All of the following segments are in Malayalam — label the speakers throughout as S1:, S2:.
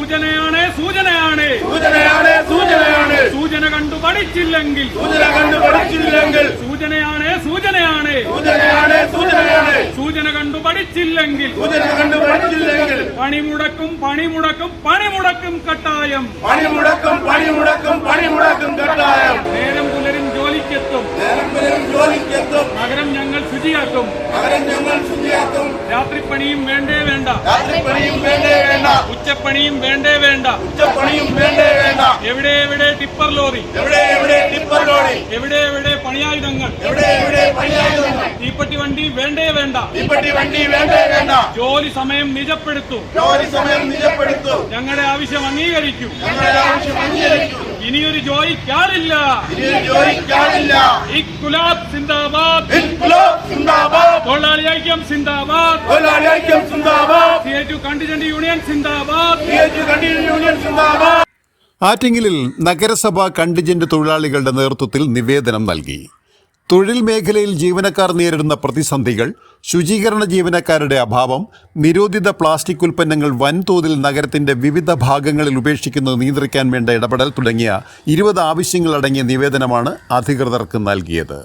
S1: സൂചനയാണ് സൂചന കണ്ടു പഠിച്ചില്ലെങ്കിൽ സൂചന കണ്ടു പഠിച്ചില്ലെങ്കിൽ പണിമുടക്കും കട്ടായം നേരം പുലരും ജോലിക്കെത്തും നഗരം ഞങ്ങൾ ശുചിയാക്കും രാത്രിപ്പണിയും വേണ്ടേ വേണ്ട ഉച്ചപ്പണിയും വേണ്ടേ വേണ്ട എവിടെ ടിപ്പർ ലോറി എവിടെ പണിയായുധങ്ങൾ തീപ്പെട്ടി വണ്ടി വേണ്ടേ വേണ്ട ജോലി സമയം നിജപ്പെടുത്തും ഞങ്ങളുടെ ആവശ്യം അംഗീകരിക്കും ഇനിയൊരു ജോലിക്കാരില്ല ഇൻക്ലാബ് സിന്ദാബാദ് തൊഴിലാളി ഐക്യം സിന്ദാബാദ് CITU കണ്ടിജന്റ് യൂണിയൻ സിന്ദാബാദ്
S2: ആറ്റിങ്ങലിൽ നഗരസഭ കണ്ടിജന്റ് തൊഴിലാളികളുടെ നേതൃത്വത്തിൽ നിവേദനം നൽകി. തൊഴിൽ മേഖലയിൽ ജീവനക്കാർ നേരിടുന്ന പ്രതിസന്ധികൾ, ശുചീകരണ ജീവനക്കാരുടെ അഭാവം, നിരോധിത പ്ലാസ്റ്റിക് ഉൽപ്പന്നങ്ങൾ വൻതോതിൽ നഗരത്തിന്റെ വിവിധ ഭാഗങ്ങളിൽ ഉപേക്ഷിക്കുന്നത് നിയന്ത്രിക്കാൻ വേണ്ട ഇടപെടൽ തുടങ്ങിയ 20 ആവശ്യങ്ങളടങ്ങിയ നിവേദനമാണ് അധികൃതർക്ക് നൽകിയത്.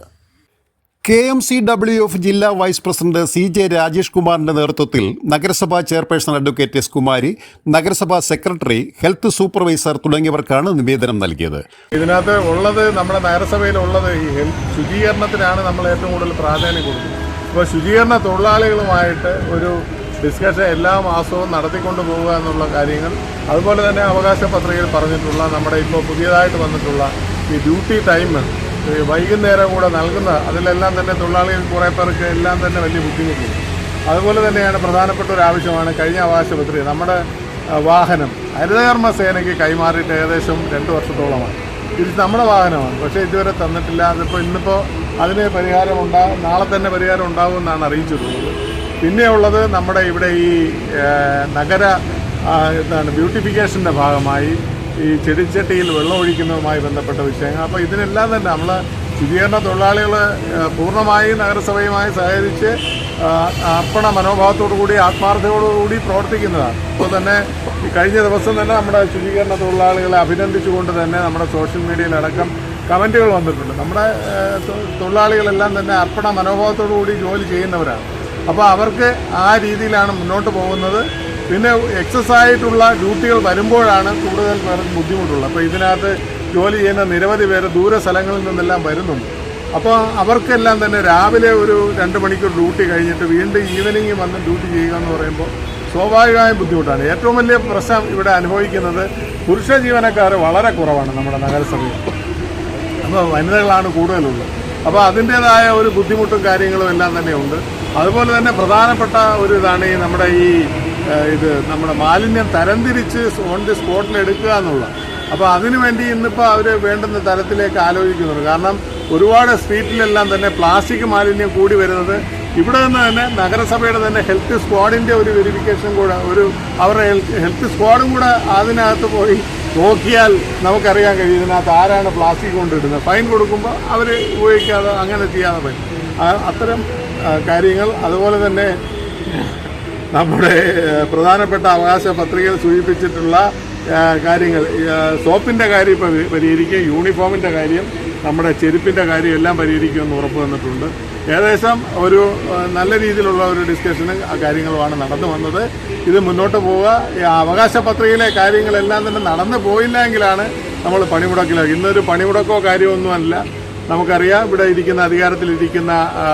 S2: KMCWF ജില്ലാ വൈസ് പ്രസിഡന്റ് CJ രാജേഷ് കുമാറിന്റെ നേതൃത്വത്തിൽ നഗരസഭാ ചെയർപേഴ്സൺ അഡ്വക്കേറ്റ് എസ് കുമാരി, നഗരസഭാ സെക്രട്ടറി, ഹെൽത്ത് സൂപ്പർവൈസർ തുടങ്ങിയവർക്കാണ് നിവേദനം നൽകിയത്.
S3: ഇതിനകത്ത് ഉള്ളത് നമ്മുടെ നഗരസഭയിലുള്ളത് ഈ ശുചീകരണത്തിനാണ് നമ്മൾ ഏറ്റവും കൂടുതൽ പ്രാധാന്യം കൊടുക്കുന്നത്. അപ്പോൾ ശുചീകരണ തൊഴിലാളികളുമായിട്ട് ഒരു ഡിസ്കഷൻ എല്ലാ മാസവും നടത്തിക്കൊണ്ട് പോവുക എന്നുള്ള കാര്യങ്ങൾ, അതുപോലെ തന്നെ അവകാശ പത്രികയിൽ പറഞ്ഞിട്ടുള്ള നമ്മുടെ ഇപ്പോൾ പുതിയതായിട്ട് വന്നിട്ടുള്ള ഈ ഡ്യൂട്ടി ടൈം വൈകുന്നേരം കൂടെ നൽകുന്ന അതിലെല്ലാം തന്നെ തൊഴിലാളികൾ കുറേ പേർക്ക് എല്ലാം തന്നെ വലിയ ബുദ്ധിമുട്ടുണ്ട്. അതുപോലെ തന്നെയാണ് പ്രധാനപ്പെട്ട ഒരു ആവശ്യമാണ് കഴിഞ്ഞ അവകാശ പത്രിക. നമ്മുടെ വാഹനം ഹരിതകർമ്മ സേനയ്ക്ക് കൈമാറിയിട്ട് ഏകദേശം 2 വർഷത്തോളമായി. ഇത് നമ്മുടെ വാഹനമാണ്, പക്ഷേ ഇതുവരെ തന്നിട്ടില്ല. അതിപ്പോൾ ഇന്നിപ്പോൾ അതിന് നാളെ തന്നെ പരിഹാരം ഉണ്ടാകുമെന്നാണ് അറിയിച്ചിട്ടുള്ളത്. പിന്നെയുള്ളത് നമ്മുടെ ഇവിടെ ഈ നഗര ബ്യൂട്ടിഫിക്കേഷൻ്റെ ഭാഗമായി ഈ ചെടിച്ചട്ടിയിൽ വെള്ളം ഒഴിക്കുന്നതുമായി ബന്ധപ്പെട്ട വിഷയങ്ങൾ. അപ്പോൾ ഇതിനെല്ലാം തന്നെ നമ്മൾ ശുചീകരണ തൊഴിലാളികൾ പൂർണ്ണമായും നഗരസഭയുമായി സഹകരിച്ച് അർപ്പണ മനോഭാവത്തോടുകൂടി ആത്മാർത്ഥതയോടുകൂടി പ്രവർത്തിക്കുന്നതാണ്. അപ്പോൾ തന്നെ കഴിഞ്ഞ ദിവസം തന്നെ നമ്മുടെ ശുചീകരണ തൊഴിലാളികളെ അഭിനന്ദിച്ചുകൊണ്ട് തന്നെ നമ്മുടെ സോഷ്യൽ മീഡിയയിലടക്കം കമൻറ്റുകൾ വന്നിട്ടുണ്ട്. നമ്മുടെ തൊഴിലാളികളെല്ലാം തന്നെ അർപ്പണ മനോഭാവത്തോടുകൂടി ജോലി ചെയ്യുന്നവരാണ്. അപ്പോൾ അവർക്ക് ആ രീതിയിലാണ് മുന്നോട്ട് പോകുന്നത്. പിന്നെ എക്സസ് ആയിട്ടുള്ള ഡ്യൂട്ടികൾ വരുമ്പോഴാണ് കൂടുതൽ പേർക്ക് ബുദ്ധിമുട്ടുള്ളത്. അപ്പോൾ ഇതിനകത്ത് ജോലി ചെയ്യുന്ന നിരവധി പേര് ദൂര സ്ഥലങ്ങളിൽ നിന്നെല്ലാം വരുന്നുണ്ട്. അപ്പോൾ അവർക്കെല്ലാം തന്നെ രാവിലെ ഒരു 2 മണിക്കൂർ ഡ്യൂട്ടി കഴിഞ്ഞിട്ട് വീണ്ടും ഈവനിങ് വന്ന് ഡ്യൂട്ടി ചെയ്യുക എന്ന് പറയുമ്പോൾ സ്വാഭാവികമായും ബുദ്ധിമുട്ടാണ്. ഏറ്റവും വലിയ പ്രശ്നം ഇവിടെ അനുഭവിക്കുന്നത് പുരുഷ ജീവനക്കാർ വളരെ കുറവാണ് നമ്മുടെ നഗരസഭയിൽ. അപ്പോൾ വനിതകളാണ് കൂടുതലുള്ളത്. അപ്പോൾ അതിൻ്റേതായ ഒരു ബുദ്ധിമുട്ടും കാര്യങ്ങളും എല്ലാം തന്നെ ഉണ്ട്. അതുപോലെ തന്നെ പ്രധാനപ്പെട്ട ഒരു ഇതാണ് ഈ നമ്മുടെ നമ്മുടെ മാലിന്യം തരംതിരിച്ച് ഓൺ ദി സ്പോട്ടിൽ എടുക്കുക എന്നുള്ള. അപ്പോൾ അതിനുവേണ്ടി ഇന്നിപ്പോൾ അവർ വേണ്ടുന്ന തരത്തിലേക്ക് ആലോചിക്കുന്നുണ്ട്. കാരണം ഒരുപാട് സ്ട്രീറ്റിലെല്ലാം തന്നെ പ്ലാസ്റ്റിക് മാലിന്യം കൂടി വരുന്നത് ഇവിടെ നിന്ന് തന്നെ നഗരസഭയുടെ തന്നെ ഹെൽത്ത് സ്ക്വാഡിൻ്റെ ഒരു വെരിഫിക്കേഷൻ കൂടെ അവരുടെ ഹെൽത്ത് സ്ക്വാഡും കൂടെ അതിനകത്ത് പോയി നോക്കിയാൽ നമുക്കറിയാൻ കഴിയും ഇതിനകത്ത് ആരാണ് പ്ലാസ്റ്റിക് കൊണ്ടിടുന്നത്. ഫൈൻ കൊടുക്കുമ്പോൾ അവർ ഉപയോഗിക്കാതെ അങ്ങനെ ചെയ്യാതെ പോയി അത്തരം കാര്യങ്ങൾ. അതുപോലെ തന്നെ നമ്മുടെ പ്രധാനപ്പെട്ട അവകാശ പത്രികയിൽ സൂചിപ്പിച്ചിട്ടുള്ള കാര്യങ്ങൾ, സോപ്പിൻ്റെ കാര്യം ഇപ്പോൾ പരിഹരിക്കുക, യൂണിഫോമിൻ്റെ കാര്യം, നമ്മുടെ ചെരുപ്പിൻ്റെ കാര്യം എല്ലാം പരിഹരിക്കുമെന്ന് ഉറപ്പ് തന്നിട്ടുണ്ട്. ഏകദേശം ഒരു നല്ല രീതിയിലുള്ള ഒരു ഡിസ്കഷനും ആ കാര്യങ്ങളുമാണ് നടന്നു വന്നത്. ഇത് മുന്നോട്ട് പോവുക. അവകാശ പത്രികയിലെ കാര്യങ്ങളെല്ലാം തന്നെ നടന്നു പോയില്ല എങ്കിലാണ് നമ്മൾ പണിമുടക്കിലാക്കി. ഇന്നൊരു പണിമുടക്കോ കാര്യമൊന്നുമല്ല. നമുക്കറിയാം ഇവിടെ ഇരിക്കുന്ന അധികാരത്തിലിരിക്കുന്ന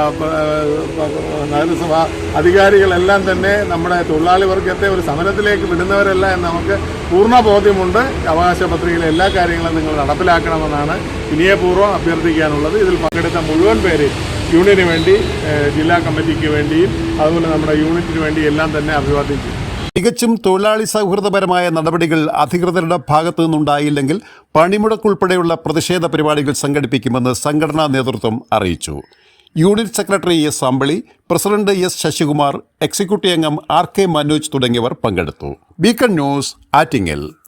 S3: നഗരസഭ അധികാരികളെല്ലാം തന്നെ നമ്മുടെ തൊഴിലാളി വർഗത്തെ ഒരു സമരത്തിലേക്ക് വിടുന്നവരല്ല എന്ന് നമുക്ക് പൂർണ്ണ ബോധ്യമുണ്ട്. അവകാശ പത്രികയിലെ എല്ലാ കാര്യങ്ങളും നിങ്ങൾ നടപ്പിലാക്കണമെന്നാണ് വിനയപൂർവ്വം അഭ്യർത്ഥിക്കാനുള്ളത്. ഇതിൽ പങ്കെടുത്ത മുഴുവൻ പേരെയും യൂണിയന് വേണ്ടി, ജില്ലാ കമ്മിറ്റിക്ക് വേണ്ടിയും അതുപോലെ നമ്മുടെ യൂണിറ്റിന് വേണ്ടി എല്ലാം തന്നെ അഭിവാദ്യം ചെയ്യും.
S2: തികച്ചും തൊഴിലാളി സൗഹൃദപരമായ നടപടികൾ അധികൃതരുടെ ഭാഗത്തു നിന്നുണ്ടായില്ലെങ്കിൽ പണിമുടക്കുൾപ്പെടെയുള്ള പ്രതിഷേധ പരിപാടികൾ സംഘടിപ്പിക്കുമെന്ന് സംഘടനാ നേതൃത്വം അറിയിച്ചു. Unit secretary S Ambili, president S Sasikumar, executive അംഗം RK മനോജ് തുടങ്ങിയവർ പങ്കെടുത്തു. Beacon news, Attingal.